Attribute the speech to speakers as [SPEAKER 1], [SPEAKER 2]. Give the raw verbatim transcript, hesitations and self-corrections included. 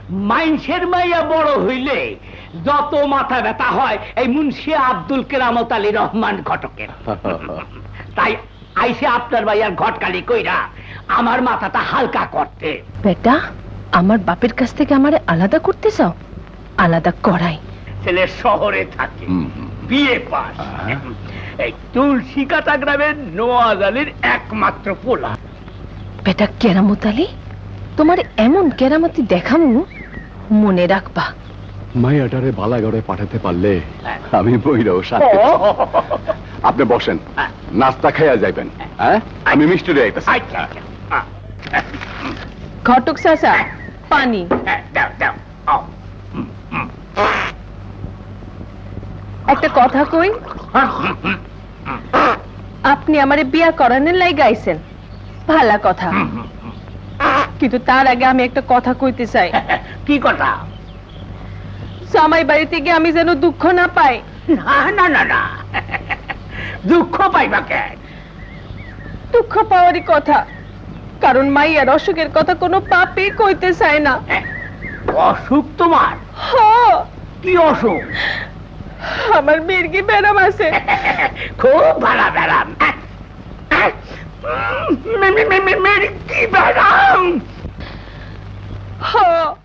[SPEAKER 1] মাইনসের মাইয়া বড় হইলে যত মাথা ব্যথা হয় এই মুন্সি আব্দুল কেরামত আলী রহমান ঘটকের। তাই আইসে আপনার ভাইয়ার ঘটকালি কইরা আমার মাথাটা হালকা করতে।
[SPEAKER 2] বেটা, আমার বাপের কাছ থেকে আমারে আলাদা করতে চাও? আলাদা করাই।
[SPEAKER 1] ছেলে শহরে থাকে, বিয়ে পাস, এই তুলসী কাটা গ্রামের নওয়াজ আলীর একমাত্র পোলা।
[SPEAKER 2] বেটা কেরামত আলী, তোমার এমন কেরামতি দেখামু, মনে রাখবা।
[SPEAKER 3] মাইয়াটারে বালাগড়ে পাঠাতে পারলে আমি বইরাও সাথে। আপনি বসেন, নাস্তা খাইয়া যাইবেন। হ্যাঁ, আমি মিষ্টি দিয়ে আইতাছি।
[SPEAKER 2] ঘটক চাচা, পানি
[SPEAKER 1] দাও দাও।
[SPEAKER 2] একটা কথা কই, আপনি আমারে বিয়া করানোর লাই গাইছেন, ভালা কথা, কিন্তু তার আগে আমি একটা কথা কইতে চাই।
[SPEAKER 1] কি কথা?
[SPEAKER 2] জামাই বাড়িতে গিয়ে আমি যেন দুঃখ না পাই।
[SPEAKER 1] না না না না, দুঃখ পাইবা কেন?
[SPEAKER 2] দুঃখ পাওয়ারই কথা, কারণ মাইয়ার অসুখের কথা কোনো পাপই কইতে চায় না।
[SPEAKER 1] অসুখ তোমার?
[SPEAKER 2] হ।
[SPEAKER 1] কি অসুখ?
[SPEAKER 2] আমার মির্গি ব্যারাম আছে।
[SPEAKER 1] খুব ভালো ব্যারাম। মির্গি ব্যারাম?
[SPEAKER 2] হ।